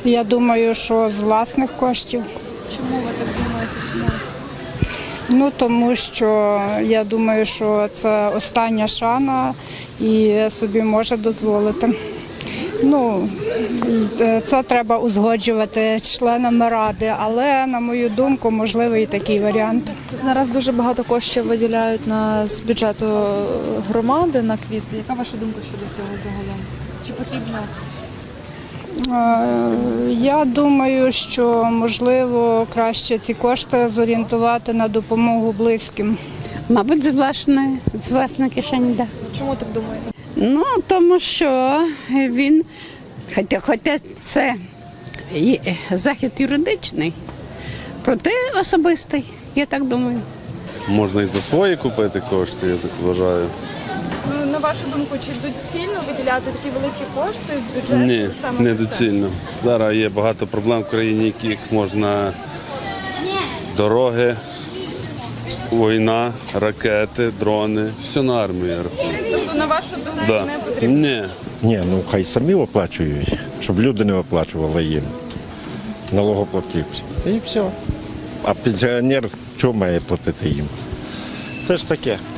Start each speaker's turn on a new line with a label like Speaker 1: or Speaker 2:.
Speaker 1: Я думаю, що з власних коштів.
Speaker 2: Чому ви так думаєте? Чому?
Speaker 1: Ну, тому що я думаю, що це остання шана і собі може дозволити. Ну, це треба узгоджувати членами ради, але, на мою думку, можливий і такий варіант.
Speaker 2: Зараз дуже багато коштів виділяють з бюджету громади на квіти. Яка ваша думка щодо цього загалом? Чи потрібно?
Speaker 1: Я думаю, що, можливо, краще ці кошти зорієнтувати на допомогу близьким.
Speaker 3: Мабуть, з власної кишені, так.
Speaker 2: Чому так думаєте?
Speaker 3: Ну, тому що він, хоча це і захід юридичний, проте особистий, я так думаю.
Speaker 4: Можна і за свої купити кошти, я так вважаю.
Speaker 5: Ну, на вашу думку, чи доцільно виділяти такі великі кошти з бюджету?
Speaker 4: Ні,
Speaker 5: саме
Speaker 4: не
Speaker 5: на це?
Speaker 4: доцільно. Зараз є багато проблем в країні, яких можна дороги, війна, ракети, дрони. Все на армію, я рахую.
Speaker 5: Тобто, на вашу думку,
Speaker 4: Да.
Speaker 5: не потрібно?
Speaker 4: Ні.
Speaker 6: Ні, ну хай самі оплачують, щоб люди не оплачували їм. Налогоплатівці. І все. А пенсіонер чого має платити їм? Це ж таке.